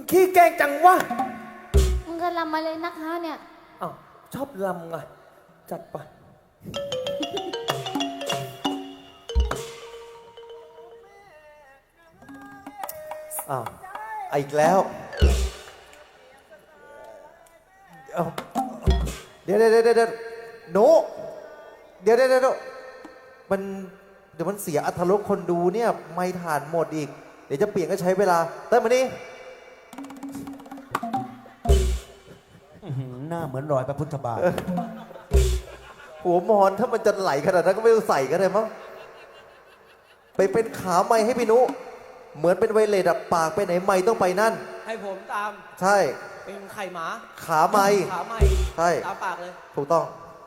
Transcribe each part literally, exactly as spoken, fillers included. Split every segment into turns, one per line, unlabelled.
ขี้แกล้งจังวะ
มึงก็ลำมาเลยนักฮะเนี่ย
อ้าวชอบลำไงจัดไปอ้าวอีกแล้วเอาเดี๋ยวเดี๋ยวเดี๋ยวเดี๋ยวโนเดี๋ยวเดี๋ยวเดี๋ยวมันเดี๋ยวมันเสียอรรถรสคนดูเนี่ยไม่ทานหมดอีกเดี๋ยวจะเปลี่ยนก็ใช้เวลาเติมมานี่
หน้าเหมือนรอยพระพุทธบาท
หัวมอนถ้ามันจะไหลขนาดนั้นก็ไม่ต้องใส่ก็ได้มั้งไปเป็นขาไม้ให้พี่นุเหมือนเป็นไวเลสอะปากไปไหนไม้ต้องไปนั่น
ให้ผมตาม
ใช่
เป็นไข่หมา
ขาไม้
ขาไม้
ใช่
ตามปากเลย
ถูกต้อง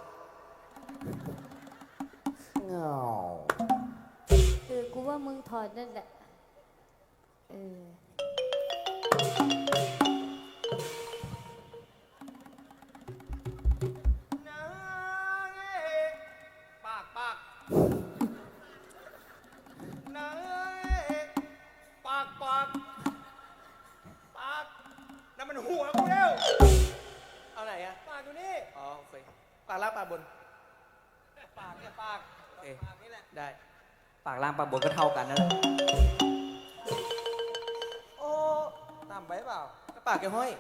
เงา
เออกูว่ามึงถอดนั่นแหละเออ
ปากปากนางปากปากปากนั่นมันหัวกูแล้วเอาไหนอะปากอยู่นี่อ๋อโอเคปากล่างปากบนปากเนี่ยปากโอเคปากนี่แหละได้ปากล่างปากบนก็เท่ากันนั่นแหละโอ้ต่ำไปเปล่าก็ปากแกห้อย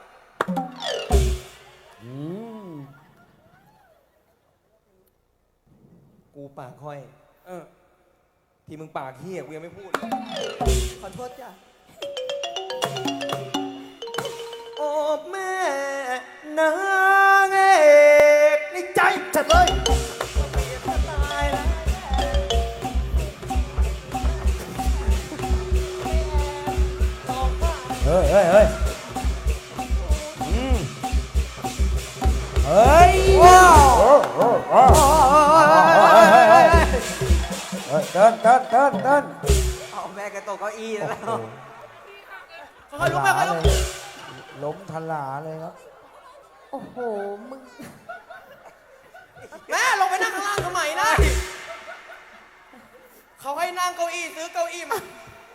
อืม
กูปากห้อยเออที่มึงปากเหี้ยกูยังไม่พูดเลยขอโทษจ้ะโอ้แม่นางเอกในใจจัดเลย
เฮ้ยเฮ้ยเฮ้ยอืมเฮ้ยว้าวเดินเดินเดินเดิน
เอาแม่แกตกเก้าอี้แล้ว
ค่อยลุกไปค่อยลุกล้มทลาเลยครับ
โอ้โหมึง
แม่ลงไปนั่งข้างล่างทำไมนะเขาให้นั่งเก้าอี้ซื้อเก้าอี้มา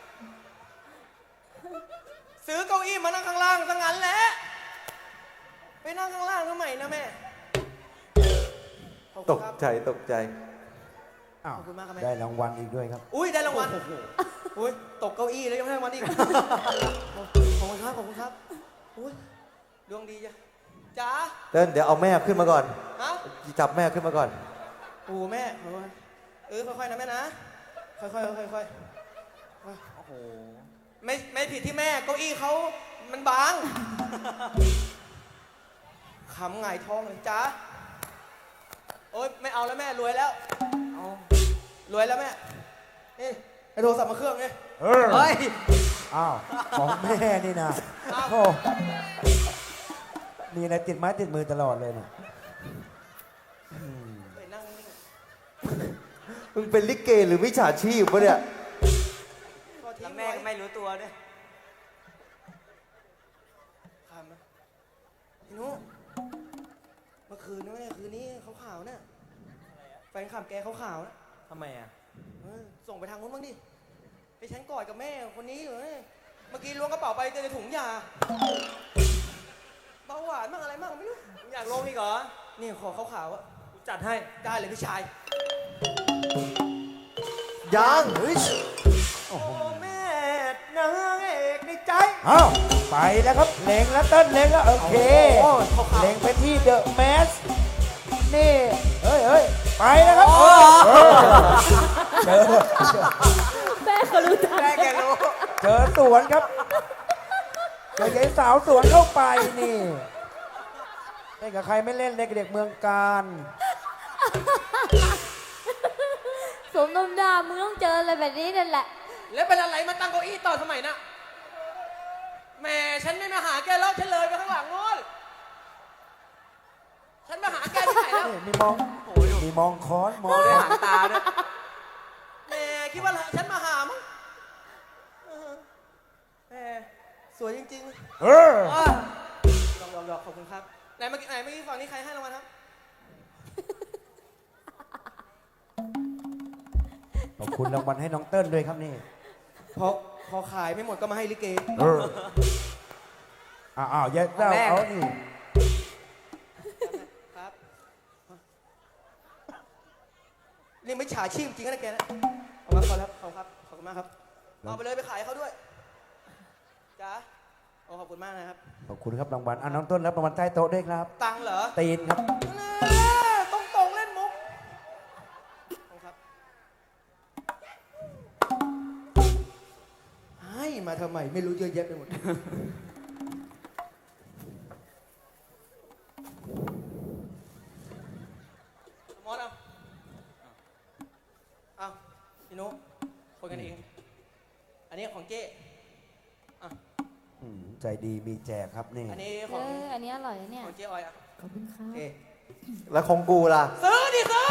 ซื้อเก้าอี้มานั่งข้างล่างซะงั้นแหละไปนั่งข้างล่างทำไมนะแม่
ตกใจตกใจ
อ้าวได้รางวัลอีกด้วยครับ
อุ้ยได้รางวัลอุ้ยตกเก้าอี้แล้วยังได้รางวัลอีกขอบคุณครับขอบคุณครับอุ้ยดวงดีจ้ะจ๋า
เดินเดี๋ยวเอาแม่ขึ้นมาก่อน
ฮะ
จับแม่ขึ้นมาก่อน
โอ้แม่เออค่อยๆนะแม่นะค่อยๆค่อยๆโอ้โหไม่ไม่ผิดที่แม่เก้าอี้เขามันบางขำไงท้องเลยจ้าโอ๊ยไม่เอาแล้วแม่รวยแล้วเอารวยแล้วแม่นี่ไอ้โทรศัพท์มาเครื่องนี่
เฮ้ยอ้าวของแม่นี่นะโอ้มีอะไรติดไม้ติดมือตลอดเลยเนี่ย
ไปนั่งนี่
มึงเป็นลิเกหรือวิชาชีพวะเนี่ย
แล้วแม่ก็ไม่รู้ตัวด้วยทำนะพี่นุเมื่อคืนนี่เมื่อคืนนี้เขาข่าวเนี่ยแฟนขับแกเขาข่าวนะทำไมอ่ะส่งไปทางนู้นบ้างดิไปฉันกอดกับแม่คนนี้อยู่เลยเมื่อกี้ล้วงกระเป๋าไปเจอในถุงยาเบาหวานมั่งอะไรมั่งไม่รู้อยากลงอีกเหรอนี่ขอเขาข่าวอะจัดให้ได้เลยพี่ชาย
ยัง
โอ้แม่นางเอกในใจ
อ้าวไปแล้วครับเล็งแล้วเต้นเล็งแล้วโอเคเล็งไปที่เดอะแมสนี่เฮ้ยเฮ้ยไปแล้วครับเจอ
แม่เขารู้จัก
แม่แกรู้
เจอสวนครับเจอยายสาวสวนเข้าไปนี่เล่นกับใครไม่เล่นเล่นกับเด็กเมืองการ
สมน้ำหน้ามึงต้องเจออะไรแบบนี้นั่นแหละ
แล้วเป็นอะไรมาตั้งเก้าอี้ต่อสมัยน่ะแม่ฉันไม่มาหาแกแล้วฉันเลยไปข้างหลังโน้นฉันมาหาแกที่ไหนแล้ว
มีมองมีมองค้อนมอง
ด้วยหางตาด้วยแม่คิดว่าฉันมาหามั้งแม่สวยจริงๆเออลองลองลองขอบคุณครับไหนเมื่อกี้ไหนเมื่อกี้ฝั่งนี้ใครให้รางวัลครับ
ขอบคุณรางวัลให้น้องเติ้ลด้วยครับนี่
พอพอขายไม่หมดก็มาให้ลิเก
อ้าวอ้าวเย็ดเจ้า
แม่
เอานี่
ครับนี่ไม่ฉาชีพจริงนะแกนะเอามาขอครับขอบครับขอบคุณมากครับเอาไปเลยไปขายเขาด้วยจ้าโอ้ขอบคุณมากนะครับ
ขอบคุณครับรางวัลอ่ะน้องต้นรับรางวัลใต้โต๊ะด้วยครับ
ตังค์เหรอ
ตีนครับ
ต้องตรงๆเล่นมุกขอบคุณครับให้มาทำไมไม่รู้เยอะแยะไปหมดมอสเอาเอาพี่นุ๊กคนกันเอง อันนี้ของเจ๊อ่ะ
อืมใจดีมีแจกครับนี่
อันนี้ข
เอ
อง
อ อันนี้อร่อยนะเนี่ย
ของเจ๊ออยอ่ะ
ขอบคุณครั
โอบ เค
แล้วของกูล่ะ
ซื้อดิซื้อ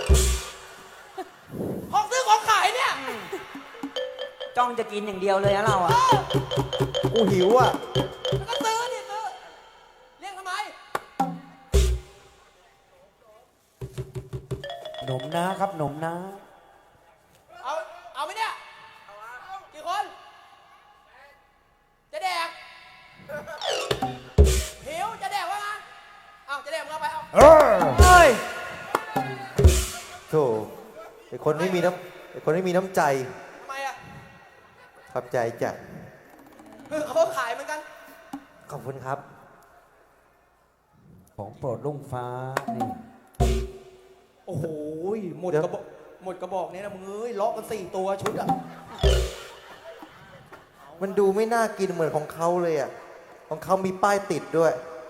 ของซื้อของขายเนี่ย
จ้องจะกินอย่างเดียวเลยนะเราอ่ะ
กูหิวอ่ะ
ก็ซื้อดิซื้อเรียกทำไม
หนมนะครับหนมนะ
เอา เอาไหมเนี่ย กี่คน จะแดก หิว จะแดกวะนะเอาจะแดกมึงเอาไป เอา
เออ
เฮ้ย
โธ่ไอ้คนไม่มีน้ำไอ้คนไม่มีน้ำใจ
ทำไมอ่ะ
ขอบใจจ้ะ
คือเขาขายเหมือนกัน
ขอบคุณครับ
ของโปรดลุงฟ้านี่
โอ้โห หมดกระบอก หมดกระบอกนี้นะมึงเอ้ยล็อกกันสี่ตัวชุดอ่ะ
มันดูไม่น่ากินเหมือนของเขาเลยอ่ะ ของเขามีป้ายติดด้วย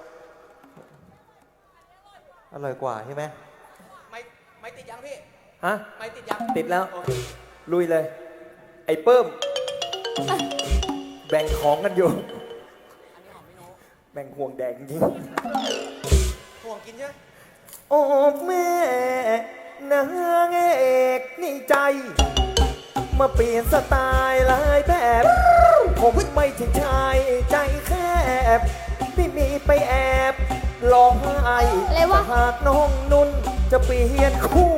อร่อยกว่าใช่ไหม
ไม่ไม่ติดยังพี่
ฮะ
ไม่ติดยัง
ติดแล้ว
โอเค
ลุยเลย ไอ้เปิ้ม แบ่งของกันอยู่ แบ่งห่วงแดงจริง
ห่วงกินใช่ไหม
โอ้แม่นางเอกนี่ใจ มาเปลี่ยนสไตล์หลายแบบ ผมไม่ใช่ชายใจแคบที่มีไปแอบร้องไห้
อะไรวะ
หากน้องนุ่นจะเปลี่ยนคู่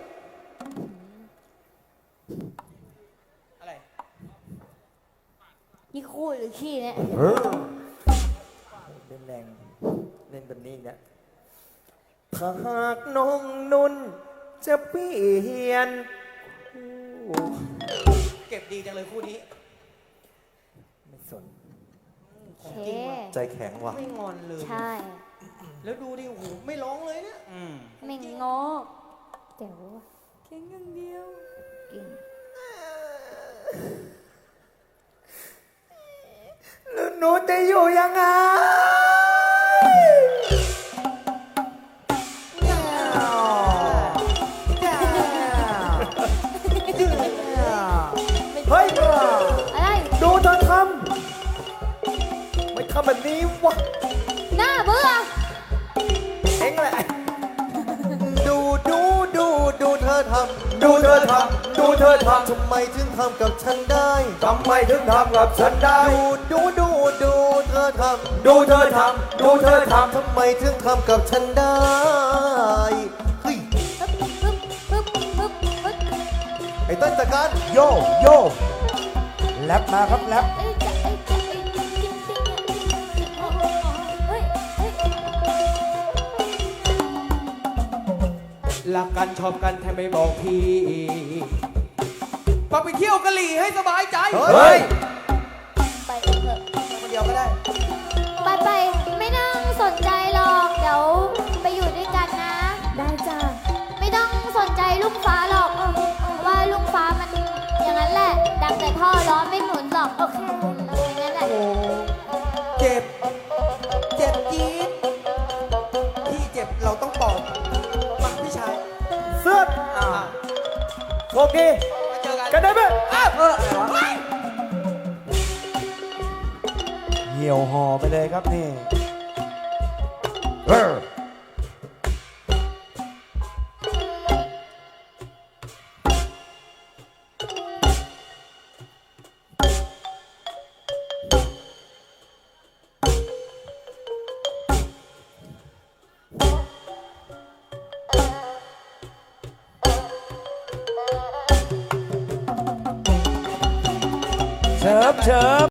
อะไร
นี่คู่หรือขี้เนี่ย
เล่นแรงเล่นแบบนี้เนี่ยถ้าหากน้องนุ่นจะเปลี่ยนคู่
เก็บดีจังเลยคู่นี้
ไม่สน
โอ
ของ
เค
จริงว่ะ
ใจแข็งว่ะ
ไม่งอนเลย
ใช่
แล้วดูดิ โอ้โห ไม่ร้องเลยเนี่ย
ไม่งอเจ๋วอะเก่งอย่างเดียวเก่ง
แล้วหนูจะอยู่ยังไง เฮ้ย
อะไร
ดูเธอทำไม่ทำแบบนี้วะ
หน้าเบื่อ
เอ็งแหละ
ดูดูดูดูเธอทำ
ดูเธอทำดูเธอทำ
ทำไมถึงทำกับฉันได้
ทำไมถึงทำกับฉันได้
ดูดูดูดูเธอทำ
ดูเธอทำดูเธอทำ
ทำไมถึงทำกับฉันได้ เฮ้ย
ปึ๊บปึ๊บปึ๊บปึ๊บปึ๊บ
ไอ้ต้นจัดการ
โยโยแรปมาครับแรป
เอ้ยจะเอ้ยจะเอ้ยจริงจริงเนี่ยโอ้โหเฮ้ยเฮ้ย
รักกันชอบกันแทนไม่บอกพี่มาไปเที่ยวกะหรี่ให้สบายใจ
เฮ้ย
ไปกันเถอะ
คนเดียวก็ได้
ไปไปไม่ต้องสนใจหรอกเดี๋ยวไปอยู่ด้วยกันนะ ได้จ้ะไม่ต้องสนใจลุงฟ้าหรอกเออเพราะว่าลุงฟ้ามันอย่างนั้นแหละดังแต่ท่อร้อนไม่หมุนหรอกโอเคอย่างนั้นแหละ
โอ้เจ็บ เจ็บจี๊ดพี่เจ็บเราต้องปลอบมาพี่ชาย
เสื้อ
อ่า
โชคดี
มาเจอกัน
กันได้ไหม
อ้าว
เอออะไรวะ
เฮ้ย
เหี่ยวห่อไปเลยครับนี่เออเชิบเชิบ